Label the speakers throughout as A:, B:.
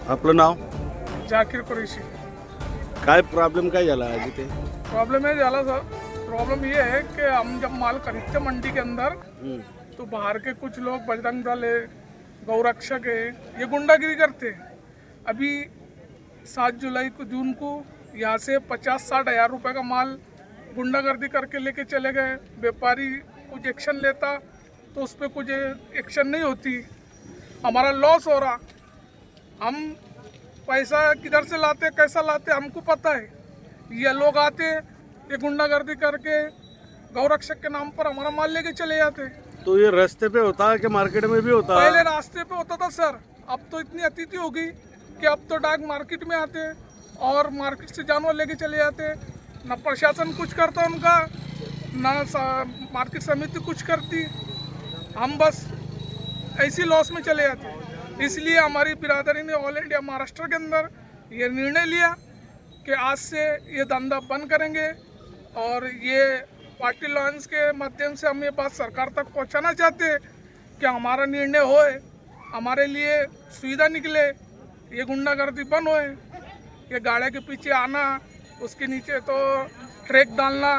A: आपलं नाव?
B: जाकीर कुरैशी।
A: काय प्रॉब्लेम काय झाला आज इथे?
B: प्रॉब्लम ये झाला सर, प्रॉब्लम ये है कि हम जब माल खरीदते मंडी के अंदर तो बाहर के कुछ लोग बजरंग दल है, गौरक्षक है, ये गुंडागिरी करते हैं। अभी 7 जुलाई को जून को यहाँ से 50-60 हज़ार रुपये का माल गुंडागर्दी करके लेके चले गए। व्यापारी कुछ एक्शन लेता तो उस पर कुछ एक्शन नहीं होती, हमारा लॉस हो रहा। हम पैसा किधर से लाते कैसा लाते हमको पता है। ये लोग आते ये गुंडागर्दी करके गौरक्षक के नाम पर हमारा माल लेके चले जाते।
A: तो ये रास्ते पे होता है कि मार्केट में भी होता है?
B: पहले रास्ते पे होता था सर, अब तो इतनी अतिथि हो गई कि अब तो डाक मार्केट में आते और मार्केट से जानवर लेके चले जाते। ना प्रशासन कुछ करता उनका, ना मार्केट समिति कुछ करती, हम बस ऐसी लॉस में चले जाते। इसलिए हमारी बिरादरी ने ऑल इंडिया महाराष्ट्र के अंदर ये निर्णय लिया कि आज से ये धंधा बंद करेंगे। और ये पार्टी लॉन्च के माध्यम से हम ये बात सरकार तक पहुंचाना चाहते हैं कि हमारा निर्णय होए, हमारे लिए सुविधा निकले, ये गुंडागर्दी बंद होए। ये गाड़ी के पीछे आना, उसके नीचे तो ट्रैक डालना,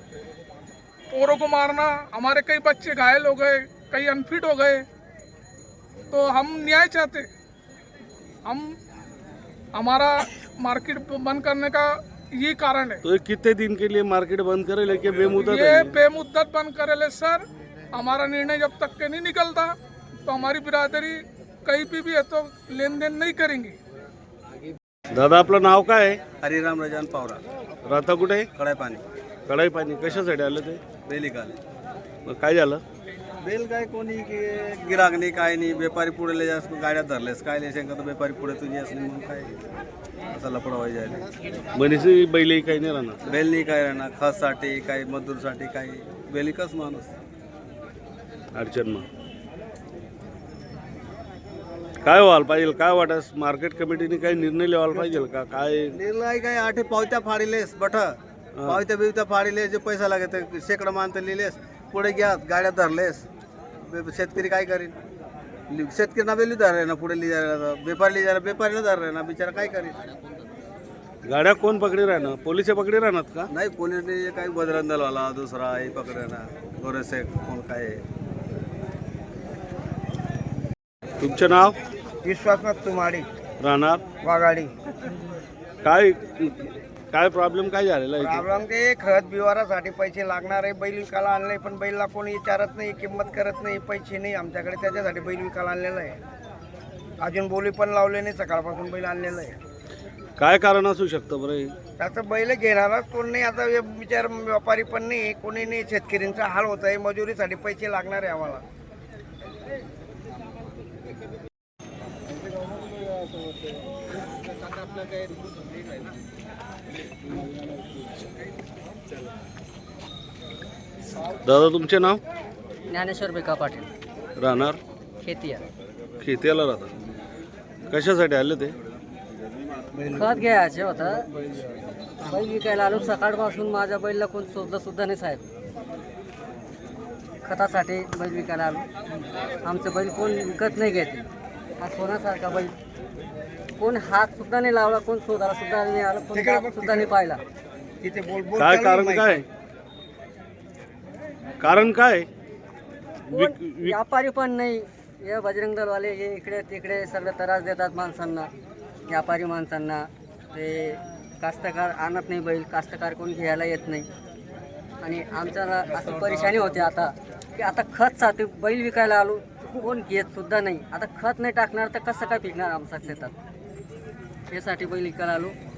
B: पोरों को मारना, हमारे कई बच्चे घायल हो गए, कई अनफिट हो गए। तो हम न्याय चाहते, हम हमारा मार्केट बंद करने का ये कारण है।
A: तो ये कितने दिन के लिए मार्केट बंद करे लेके बेमुदत
B: ये
A: है?
B: बेमुद्दत बंद करेले सर। हमारा निर्णय जब तक के नहीं निकलता तो हमारी बिरादरी कहीं भी है तो लेन देन नहीं करेंगी।
A: दादा आपलं नाव काय आहे?
C: हरिराम रजान पावरा,
A: राहता कुठे?
C: कडाई पाणी,
A: कढाई पाणी कशासाठी आलं ते?
C: बेली काले
A: मग काय झालं?
C: बेल काय कोणी की गिराक नाही काय नाही, व्यापारी पुढे ले जास गाड्या धरलेस काय ले शंका, तर व्यापारी पुढे तुझी असली म्हणून काय असा लपडा व्हायला जायला।
A: बनीसी बैलही काही नाही राहणार?
C: बेल नाही काय राहणार, खससाठी काय मजदूरसाठी काय, बेली कस माणूस
A: अडचण मग काय व्हायला पाहिजे? काय वाटस मार्केट कमिटीने काही निर्णय लिहायला पाहिजे का? काय
C: निर्णय काय आठे पावत्या फाडिलेस बठ, पावत्या बिवत्या फाडिलेस, जे पैसा लागे ते शेकडा मानते लिहिलेस, पुढे घ्या गाड्या धरलेस, शेतकरी काय करीन? शेतकरी ना बेली धर ना, पुढे लिहायला व्यापारी लिहायला व्यापारीला धर ना, बिचारा काय करीन?
A: गाड्या कोण पकडी राहणार? पोलिस पकडी राहणार का?
C: नाही पोलिसने काही बजरंग दलवाला दुसरा हे पकडे ना, गोरेसे कोण काय आहे?
A: तुमचं नाव?
D: विश्वासनाथ तुमाडी,
A: राहणार
D: वाघाडी।
A: काय काय प्रॉब्लेम काय झालेला आहे?
D: प्रॉब्लेम ते खत बिवारासाठी पैसे लागणार आहे, बैल विकायला आणले पण बैलला कोणी विचारत नाही, किंमत करत नाही, पैसे नाही आमच्याकडे, त्याच्यासाठी बैल विकायला आणलेला आहे। अजून बोली पण लावले नाही, सकाळपासून बैल आणलेला आहे।
A: काय कारण असू शकतं बरं हे?
D: त्याचं बैल घेणाराच कोण नाही, आता विचार व्यापारी पण नाही, कोणी नाही, शेतकऱ्यांचा हाल होत आहे, मजुरीसाठी पैसे लागणार आहे आम्हाला।
A: दादा तुमचे नाव?
E: ज्ञानेश्वर बेका पाटील,
A: राहणार
E: खेतिया।
A: खेत्याला राहतात. कशासाठी आले ते?
E: खत घ्यायचे होता, बैल विकायला आलो। सकाळपासून माझ्या बैलला कोण शोधलं सुद्धा नाही साहेब। खतासाठी बैल विकायला आलो, आमचं बैल कोण विकत नाही घेते। हा सोन्यासारखा बैल, कोण हात सुद्धा नाही लावला, कोण शोधायला सुद्धा नाही आलं, कोण जात सुद्धा नाही पाहिला।
D: तिथे बोल
A: काय कारण काय? कारण काय?
E: व्यापारी पण नाही, हे बजरंग दलवाले हे इकडे तिकडे सगळं त्रास देतात माणसांना, व्यापारी माणसांना। ते कास्तकार आणत नाही बैल, कास्तकार कोण घ्यायला येत नाही। आणि आमच्याला असं परेशानी होते आता की आता खतसाठी बैल विकायला आलो, कोण घेत सुद्धा नाही। आता खत नाही टाकणार तर कसं काय पिकणार आमच्या शेतात? यासाठी बैल विकायला आलो।